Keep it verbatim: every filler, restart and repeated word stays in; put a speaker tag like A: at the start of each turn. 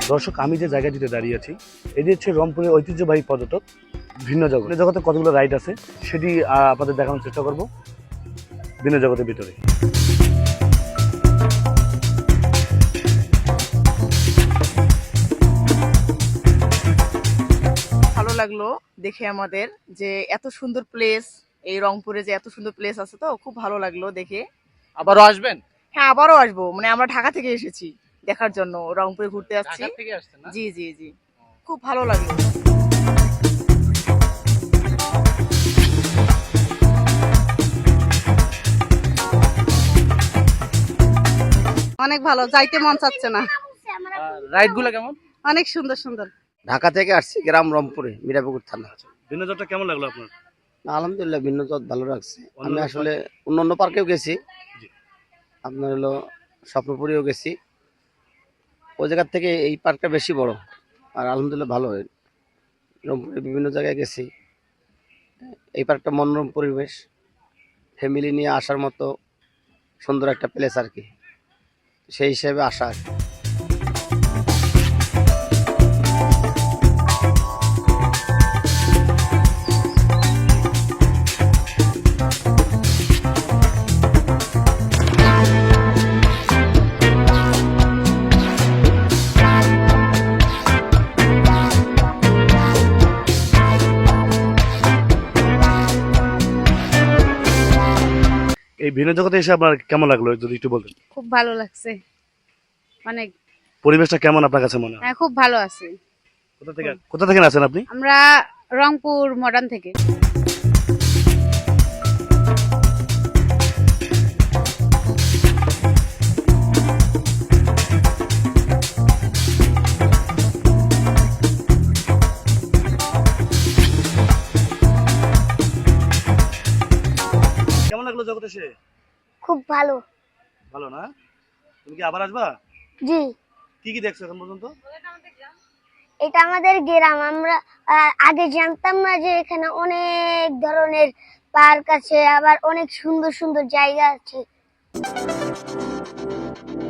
A: দর্শক, আমি যে জায়গাটিতে দাঁড়িয়ে আছি এটি হচ্ছে রংপুরের ঐতিহ্যবাহী পর্যটক ভিন্ন জগৎ। জগতে কতগুলো রাইড আছে সেটি আপনাদের দেখানোর চেষ্টা করব ভিন্ন জগতের ভিতরে।
B: ভালো লাগলো দেখে আমাদের যে এত সুন্দর প্লেস, এই রংপুরে যে এত সুন্দর প্লেস আছে, তো খুব ভালো লাগলো দেখে।
C: আবারও আসবেন?
B: হ্যাঁ, আবারও আসবো। মানে আমরা ঢাকা থেকে এসেছি দেখার জন্য, রংপুরে ঘুরতে আসছি।
C: ঢাকা থেকে আসছেন না?
B: জি জি জি, খুব ভালো লাগলো।
D: অনেক ভালো, যাইতে মন চাচ্ছে না।
C: রাইড গুলো কেমন?
D: অনেক সুন্দর সুন্দর।
E: ঢাকা থেকে আসছি, গ্রাম রংপুরে, মিরাপুকুর থানা।
A: ভিন্ন জগৎটা কেমন লাগলো আপনার?
E: আলহামদুলিল্লাহ, ভিন্ন জগৎ ভালো লাগছে। আমি আসলে অন্য অন্য পার্কেও গেছি, আপনার হলো স্বপ্নপুরেও গেছি। ওই জায়গার থেকে এই পার্কটা বেশি বড়, আর আলহামদুলিল্লাহ ভালো। রংপুরে বিভিন্ন জায়গায় গেছি। এই পার্কটা মনোরম পরিবেশ, ফ্যামিলি নিয়ে আসার মতো সুন্দর একটা প্লেস আর কি, সেই হিসেবে আসা আর কি।
A: এই ভিন্ন জগতে এসে আপনার কেমন লাগলো যদি একটু বলতেন?
D: খুব ভালো লাগছে, অনেক।
A: পরিবেশটা কেমন আপনার কাছে মনে হয়?
D: হ্যাঁ, খুব ভালো আছে।
A: কোথা থেকে কোথা থেকে আছেন আপনি?
D: আমরা রংপুর মডার্ন থেকে।
A: কেমন লাগলো জগতে এসে?
F: খুব ভালো।
A: ভালো না? তুমি কি আবার আসবা?
F: জি,
A: কি কি দেখছো এখন পর্যন্ত?
F: এটা আমাদের গ্রাম। আমরা আহ, আগে জানতাম না যে এখানে অনেক ধরনের পার্ক আছে, আবার অনেক সুন্দর সুন্দর জায়গা আছে।